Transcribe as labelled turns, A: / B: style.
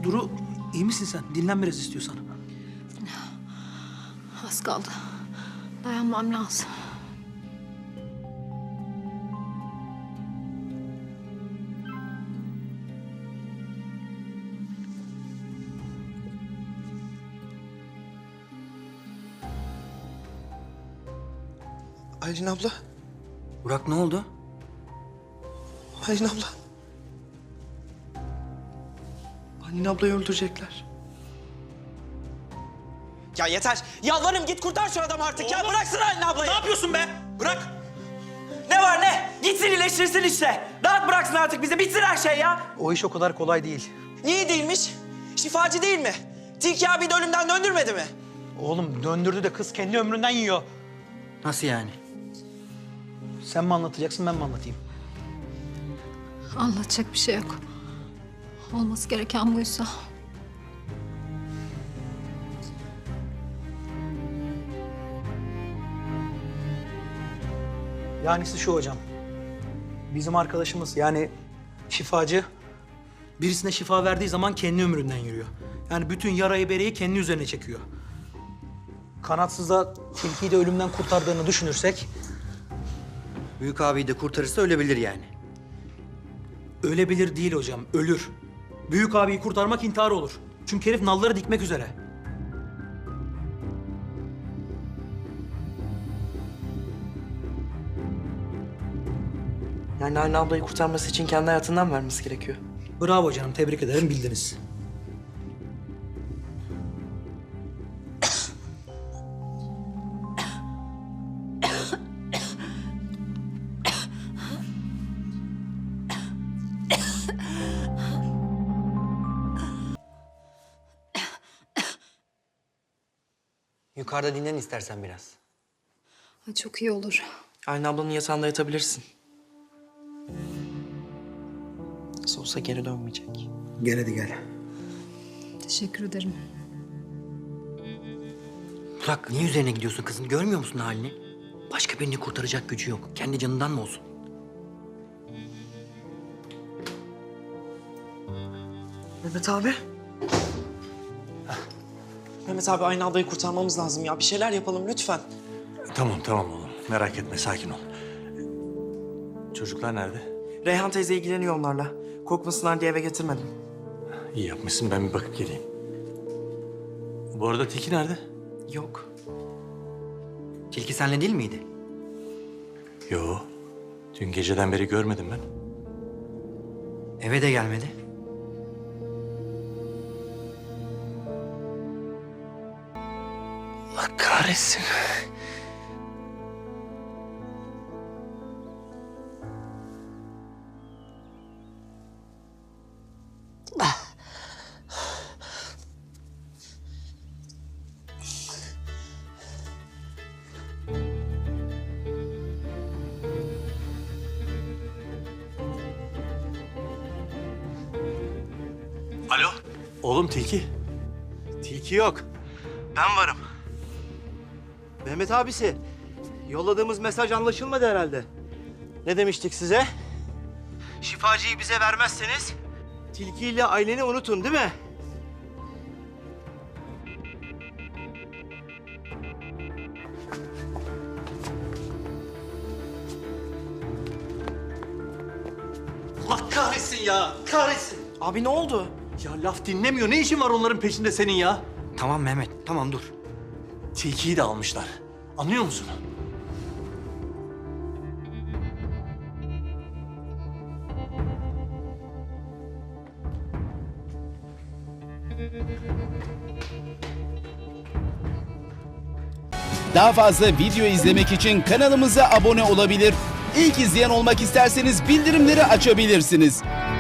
A: Duru, iyi misin sen? Dinlen biraz istiyorsan.
B: Az kaldı. Dayanmam lazım.
C: Aylin abla.
A: Burak ne oldu?
C: Aylin abla. Aylin ablayı öldürecekler.
D: Ya yeter. Yalvarırım git kurtar şu adamı artık ya. Bıraksın Aylin ablayı.
E: Ne yapıyorsun be? Bırak.
D: Ne var ne? Gitsin iyileştirsin işte. Rahat bıraksın artık bizi. Bitsin her şey ya.
A: O iş o kadar kolay değil.
D: Niye değilmiş? Şifacı değil mi? Tilki abi de ölümden döndürmedi mi?
A: Oğlum döndürdü de kız kendi ömründen yiyor. Nasıl yani? Sen mi anlatacaksın, ben mi anlatayım?
B: Anlatacak bir şey yok. Olması gereken buysa.
A: Yanisi şu hocam. Bizim arkadaşımız yani şifacı birisine şifa verdiği zaman kendi ömründen yürüyor. Yani bütün yarayı bereyi kendi üzerine çekiyor. Kanatsız da tilkiyi de ölümden kurtardığını düşünürsek...
F: Büyük abiyi de kurtarırsa ölebilir yani.
A: Ölebilir değil hocam, ölür. Büyük abiyi kurtarmak intihar olur. Çünkü herif nalları dikmek üzere.
C: Yani Aylin ablayı kurtarması için kendi hayatından vermesi gerekiyor.
A: Bravo canım, tebrik ederim, bildiniz.
F: Yukarıda dinlen istersen biraz.
B: Ay, çok iyi olur.
C: Aylin ablanın yatağında yatabilirsin. Nasıl olsa geri dönmeyecek.
A: Gel hadi gel.
B: Teşekkür ederim.
F: Burak niye üzerine gidiyorsun kızın? Görmüyor musun halini? Başka birini kurtaracak gücü yok. Kendi canından mı olsun?
C: Mehmet abi. Mehmet abi Aylin ablayı kurtarmamız lazım ya. Bir şeyler yapalım lütfen.
E: Tamam oğlum. Merak etme, sakin ol. Çocuklar nerede?
C: Reyhan teyze ilgileniyor onlarla. Korkmasınlar diye eve getirmedim.
E: İyi yapmışsın, ben bir bakıp geleyim. Bu arada Tilki nerede?
C: Yok.
F: Tilki senle değil miydi?
E: Yo. Dün geceden beri görmedim ben.
F: Eve de gelmedi.
E: Allah kahretsin. Alo? Oğlum Tilki.
G: Tilki yok. Ben varım. Mehmet abisi, yolladığımız mesaj anlaşılmadı herhalde. Ne demiştik size? Şifacıyı bize vermezseniz tilkiyle aileni unutun, değil mi?
E: Allah kahretsin ya, kahretsin.
C: Abi ne oldu?
E: Ya laf dinlemiyor. Ne işin var onların peşinde senin ya?
F: Tamam Mehmet, tamam dur.
E: Tilkiyi de almışlar. Anlıyor musun?
H: Daha fazla video izlemek için kanalımıza abone olabilir. İlk izleyen olmak isterseniz bildirimleri açabilirsiniz.